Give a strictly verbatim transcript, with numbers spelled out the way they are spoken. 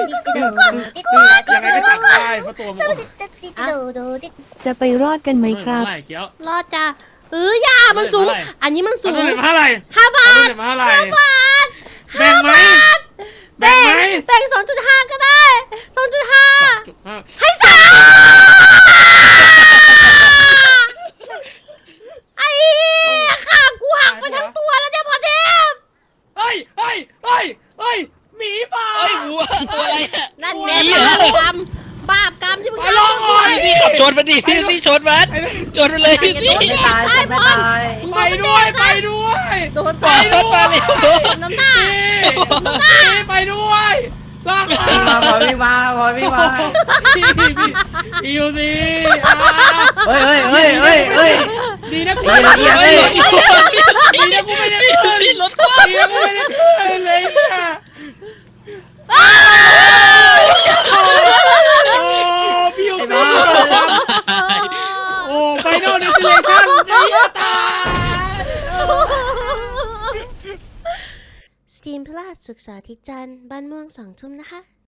ยังไงก็จับได้เพราะตัวมันจะไปรอดกันไหมครับเท่าไหร่เกี้ยวรอดจ้ะเออยามันสูงอันนี้มันสูงเอาเท่าไหร่ห้าบาทเท่าไหร่ห้าบาทแบ่งไหมแบ่แบ่งงไหมแบ่งสองจุดห้าก็ได้สองจุดห้าจุดห้าให้สามไอ้ข้างกูหักไปทั้งตัวแล้วเนี่ยพอเทพเฮ้ยเฮ้ยเฮ้ยเฮ้ยหมีป่าเอ้ยวัวตัวอะไรอะนั่นหไงมีเหรบาอปกรรมบาปกรรมที่มึงไปทำลองกับก่กูอนพี่ขับชนมันดิพี่พี่ชนมันชนมันเลยพี่สิไม่ตายไม่ตายไปด้วยไปด้วยโดนไปจับด้วยไปเลยน้ำหน้านี่ไปด้วยลากมามาพอพี่มาพอพี่มาพี่พี่อิวสิเฮ้ยเฮ้ยเฮ้ยเฮ้ยเฮ้ยดีนะกูเอียงเอียงเฮ้ยดีนะกูไม่ได้ขึ้นพี่รถคว่ดีนะกูไม่ได้ขึ้นเลยเนี่ยโอ้พี่อิวสิโอ้ไฟนอลเดสติเนชั่นไอ้เหี้ยตายสตรีมพลาดสุกร์เสาร์อาทิตย์จันทร์บ้านม่วงสองทุ่มนะคะ